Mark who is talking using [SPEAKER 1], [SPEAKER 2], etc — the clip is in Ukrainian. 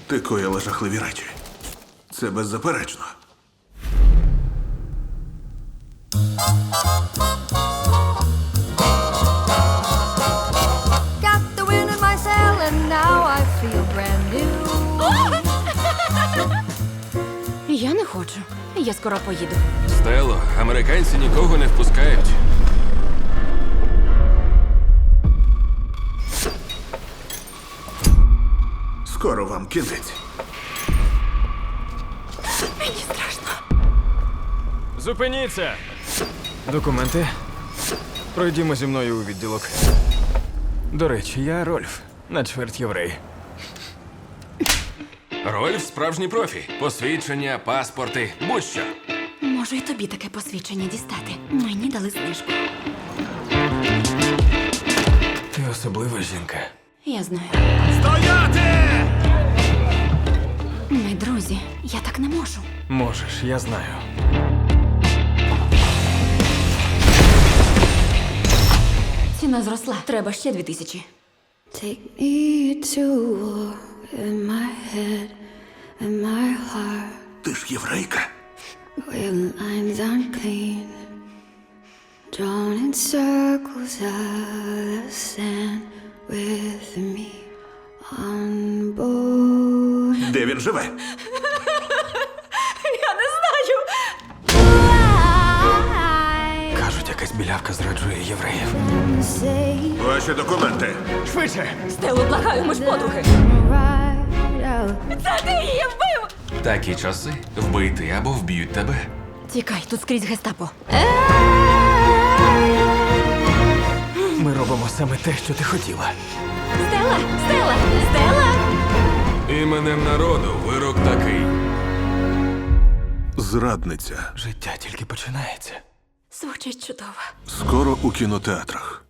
[SPEAKER 1] Ти коїла жахливі речі. Це беззаперечно.
[SPEAKER 2] Got the wind in my sail and now I feel brand new.
[SPEAKER 3] Я не хочу. Я скоро поїду.
[SPEAKER 4] Стело, американці нікого не впускають.
[SPEAKER 1] Скоро вам кінець.
[SPEAKER 3] Мені страшно.
[SPEAKER 5] Зупиніться! Документи. Пройдімо зі мною у відділок. До речі, я Рольф, на чверть єврей.
[SPEAKER 4] Рольф справжній профі. Посвідчення, паспорти, будь-що.
[SPEAKER 3] Можу і тобі таке посвідчення дістати. Мені дали знижку.
[SPEAKER 5] Ти особлива жінка.
[SPEAKER 3] Я знаю.
[SPEAKER 4] Стояти!
[SPEAKER 3] Ми друзі. Я так не можу.
[SPEAKER 5] Можеш, я знаю.
[SPEAKER 3] Ціна зросла. Треба ще 2000.
[SPEAKER 2] Take me to war in my head and my heart
[SPEAKER 1] Ти ж єврейка.
[SPEAKER 2] where lines unclean, drawn in circles out of sand with me on board.
[SPEAKER 1] Де він живе?
[SPEAKER 3] Я не знаю.
[SPEAKER 5] Кажуть, якась білявка зраджує євреїв.
[SPEAKER 2] Say
[SPEAKER 1] Ваші документи.
[SPEAKER 5] Швидше!
[SPEAKER 3] Стелу, благаю, ми ж подруги.
[SPEAKER 2] right out.
[SPEAKER 3] Це ти її вбив!
[SPEAKER 4] Такі часи вбити або вб'ють тебе.
[SPEAKER 3] Тікай, тут скрізь гестапо.
[SPEAKER 5] Ми робимо саме те, що ти хотіла.
[SPEAKER 3] Стела! Стела! Стела!
[SPEAKER 4] Іменем народу вирок такий.
[SPEAKER 1] Зрадниця.
[SPEAKER 5] Життя тільки починається.
[SPEAKER 3] Звучить чудово.
[SPEAKER 1] Скоро у кінотеатрах.